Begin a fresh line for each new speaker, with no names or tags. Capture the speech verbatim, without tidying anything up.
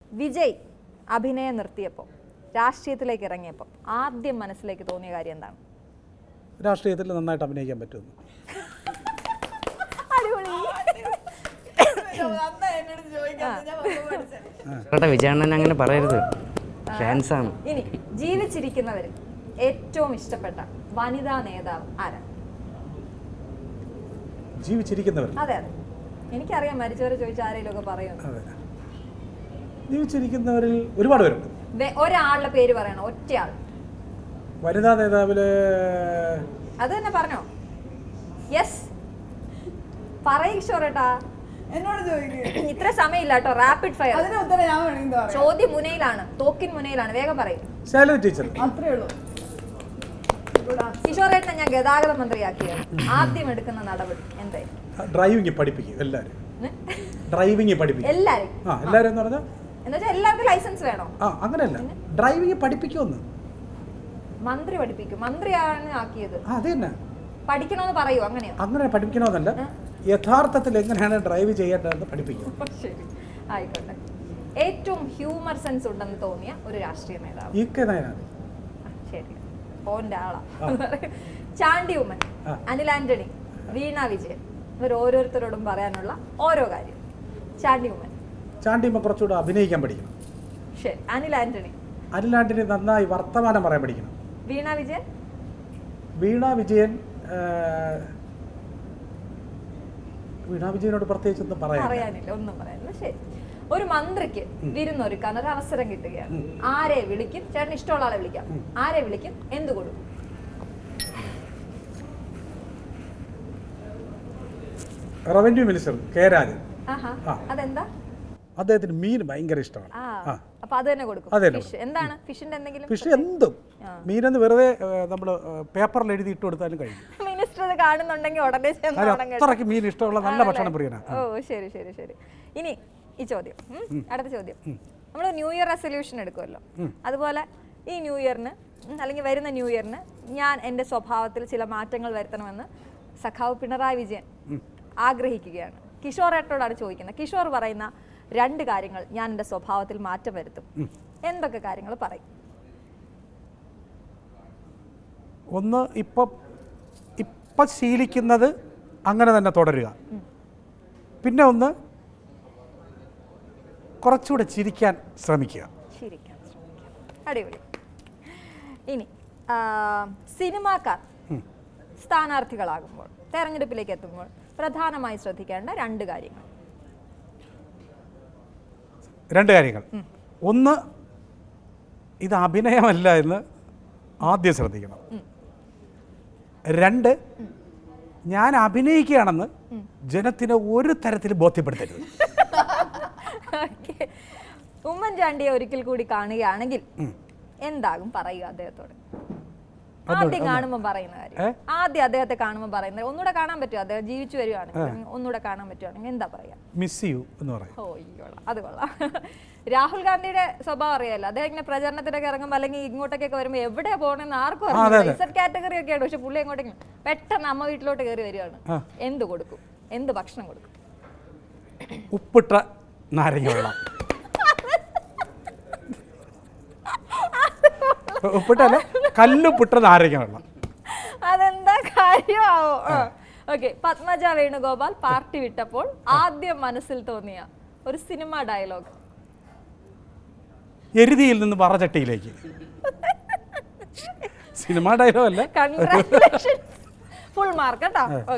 വിജയ് അഭിനയം നിർത്തിയപ്പോൾ രാഷ്ട്രീയത്തിലേക്ക് ഇറങ്ങിയപ്പോൾ ആദ്യം മനസ്സിലേക്ക് തോന്നിയ കാര്യം എന്താണ്?
രാഷ്ട്രീയത്തിൽ നന്നായിട്ട് അഭിനയിക്കാൻ പറ്റുമെന്ന്.
വിജയണ്ണൻ അങ്ങനെ പറയരുത്, ഫാൻസ് ആണ്.
ഇനി ജീവിച്ചിരിക്കുന്നവരിൽ ഏറ്റവും ഇഷ്ടപ്പെട്ട വനിതാ നേതാവ് ആരാണ്?
ജീവിച്ചിരിക്കുന്നവർ?
അതെ അതെ, എനിക്കറിയാം മരിച്ചവരെ ചോദിച്ചാൽ ആരെങ്കിലും ഒക്കെ പറയുന്നു.
അതെ, ജീവിച്ചിരിക്കുന്നവരിൽ ഒരുപാട് പേരുണ്ട്.
ഒരാളുടെ പേര് പറയണം, ഒറ്റയാൾ.
വനിതാ നേതാവില്
അത് തന്നെ പറഞ്ഞോ. യെസ് പറയേട്ടാ,
എന്നോട് ചോദിക്കും.
ഇത്ര സമയമില്ല കേട്ടോ, റാപ്പിഡ് ഫയർ.
അതിന് ഉത്തരം ഞാൻ വേണമെങ്കിൽ പറയാം.
ചോദ്യം മുനയിലാണ്, തോക്കിൻ മുനയിലാണ്, വേഗം പറയും.
ശൈലജ ടീച്ചർ.
അത്രേ ഉള്ളൂ.
കിഷോറേട്ടനെ ഞാൻ ഗതാഗത മന്ത്രിയാക്കിയത് ആദ്യം എടുക്കുന്ന നടപടി എന്തായാലും?
ഡ്രൈവിംഗ് പഠിപ്പിക്കും എല്ലാരും. ഡ്രൈവിംഗ് പഠിപ്പിക്കും
എല്ലാരും.
ആ എല്ലാരും എന്ന് പറഞ്ഞാൽ
എന്നുവെച്ചാൽ എല്ലാവർക്കും ലൈസൻസ് വേണോ?
ആ അങ്ങനെയല്ല, ഡ്രൈവിംഗ് പഠിപ്പിക്കുമെന്ന്.
മന്ത്രി പഠിപ്പിക്കും, മന്ത്രിയാണ് ആക്കിയത്.
അത് തന്നെ
പഠിക്കണമെന്ന് പറയൂ. അങ്ങനെയോ?
അങ്ങനെ പഠിപ്പിക്കണമെന്നല്ല, യഥാർത്ഥത്തിൽ എങ്ങനെയാണ് ഡ്രൈവ് ചെയ്യേണ്ടതെന്ന് പഠിപ്പിക്കും.
ശരി, ആയിക്കോട്ടെ. ഏറ്റവും ഹ്യൂമർ സെൻസ് ഉണ്ടെന്ന് തോന്നിയ ഒരു രാഷ്ട്രീയ നേതാവ്?
ഇ കെ നായനാണ്.
ശരി, ഓന്റെ ആളാ. ചാണ്ടി ഉമ്മൻ, അനിൽ ആന്റണി, വീണ വിജയൻ, ഇവർ ഓരോരുത്തരോടും പറയാനുള്ള ഓരോ കാര്യം. ചാണ്ടി ഉമ്മൻ.
ചാണ്ടി ഉമ്മൻ കുറച്ചുകൂടെ അഭിനയിക്കാൻ പഠിക്കണം.
ശരി. അനിൽ ആന്റണി?
അനിൽ ആന്റണി നന്നായി വർത്തമാനം പറയാൻ പഠിക്കണം.
വീണ വിജയൻ?
വീണ വിജയൻ വീണ വിജയനോട് പ്രത്യേകിച്ച് ഒന്നും
പറയാനില്ല, ഒന്നും പറയാനില്ല. ശരി. ഒരു മന്ത്രിക്ക് വിരുന്നൊരുക്കാൻ ഒരു അവസരം കിട്ടുകയാണ്, ആരെ വിളിക്കും? ചേട്ടന് ഇഷ്ടമുള്ള ആളെ വിളിക്കാം. ആരെ വിളിക്കും? എന്ത് കൊടുക്കും?
Revenue minister K Rajan.
അതെന്താ?
അദ്ദേഹത്തിന് മീൻ ഭയങ്കര ഇഷ്ടമാണ്.
അപ്പൊ അത് തന്നെ കൊടുക്കും. എന്താണ് ഫിഷിന്റെ എന്തെങ്കിലും?
ഫിഷ് എന്തും, മീനെന്ന് വെറുതെ നമ്മൾ പേപ്പറിൽ എഴുതി ഇട്ട് കൊടുത്താലും കഴിയും.
മിനിസ്റ്റർ ഇത് കാണുന്നുണ്ടെങ്കിൽ ഉടനെ
അത്രയ്ക്ക് മീൻ ഇഷ്ടമുള്ള നല്ല ഭക്ഷണം പ്രിയനാണ്.
ഓ ശരി ശരി ശരി. ഇനി ഈ ചോദ്യം, അടുത്ത ചോദ്യം. നമ്മൾ ന്യൂ ഇയർ റെസൊല്യൂഷൻ എടുക്കുമല്ലോ, അതുപോലെ ഈ ന്യൂ ഇയറിന് അല്ലെങ്കിൽ വരുന്ന ന്യൂ ഇയറിന് ഞാൻ എൻ്റെ സ്വഭാവത്തിൽ ചില മാറ്റങ്ങൾ വരുത്തണമെന്ന് സഖാവ് പിണറായി വിജയൻ ആഗ്രഹിക്കുകയാണ്. കിഷോറേട്ടനോടാണ് ചോദിക്കുന്നത്. കിഷോർ പറയുന്ന രണ്ട് കാര്യങ്ങൾ ഞാൻ എൻ്റെ സ്വഭാവത്തിൽ മാറ്റം വരുത്തും. എന്തൊക്കെ കാര്യങ്ങൾ പറയും?
ഒന്ന്, ഇപ്പം ഇപ്പം ശീലിക്കുന്നത് അങ്ങനെ തന്നെ തുടരുക. പിന്നെ ഒന്ന്, കുറച്ചുകൂടെ ചിരിക്കാൻ ശ്രമിക്കുക.
ചിരിക്കാൻ ശ്രമിക്കുക. അടിപൊളി. ഇനി സിനിമാക്കാർ സ്ഥാനാർത്ഥികളാകുമ്പോൾ, തെരഞ്ഞെടുപ്പിലേക്ക് എത്തുമ്പോൾ പ്രധാനമായി ശ്രദ്ധിക്കേണ്ട രണ്ട് കാര്യങ്ങൾ.
രണ്ട് കാര്യങ്ങൾ. ഒന്ന്, ഇത് അഭിനയമല്ല എന്ന് ആദ്യം ശ്രദ്ധിക്കണം. രണ്ട്, ഞാൻ അഭിനയിക്കുകയാണെന്ന് ജനത്തിന് ഒരു തരത്തിൽ ബോധ്യപ്പെടുത്തരുത്.
ഉമ്മൻചാണ്ടിയെ ഒരിക്കൽ കൂടി കാണുകയാണെങ്കിൽ എന്താകും പറയുക അദ്ദേഹത്തോട്? ആദ്യം കാണുമ്പോൾ പറയുന്ന കാര്യം, ആദ്യം അദ്ദേഹത്തെ കാണുമ്പോൾ പറയുന്നത്, ഒന്നുകൂടെ കാണാൻ പറ്റുമോ? അദ്ദേഹം ജീവിച്ചു വരുവാണെങ്കിൽ, ഒന്നുകൂടെ കാണാൻ പറ്റുവാണെങ്കിൽ എന്താ പറയാ?
മിസ് യു എന്ന് പറയും.
ഓ കൊള്ളാം, അത് കൊള്ളാം. രാഹുൽ ഗാന്ധിയുടെ സ്വഭാവം അറിയാലോ, അദ്ദേഹം ഇങ്ങനെ പ്രചരണത്തിനൊക്കെ ഇറങ്ങുമ്പോൾ അല്ലെങ്കിൽ ഇങ്ങോട്ടൊക്കെ വരുമ്പോൾ എവിടെയാ പോകണമെന്ന് ആർക്കും അറിയാം. ഇസഡ് കാറ്റഗറി ഒക്കെ ആണ്, പക്ഷെ പുള്ളി എങ്ങോട്ടെങ്കിലും പെട്ടെന്ന് അമ്മ വീട്ടിലോട്ട് കയറി വരികയാണ്. എന്ത് കൊടുക്കും? എന്ത് ഭക്ഷണം കൊടുക്കും?
ഉപ്പിട്ട നാരങ്ങ വെള്ളം. ഉപ്പിട്ടല്ല, കല്ലുപ്പിട്ട നാരങ്ങ വെള്ളം.
അതെന്താ കാര്യമാവോ? ഓക്കെ. പത്മജ വേണുഗോപാൽ പാർട്ടി വിട്ടപ്പോൾ ആദ്യം മനസ്സിൽ തോന്നിയ ഒരു സിനിമ ഡയലോഗ്?
എരുതിയിൽ നിന്ന് പറചട്ടിയിലേക്ക്. സിനിമ ഡയലോഗ് അല്ല.
കൺഗ്രാറ്റുലേഷൻസ്, ഫുൾ മാർക്ക് കേട്ടോ.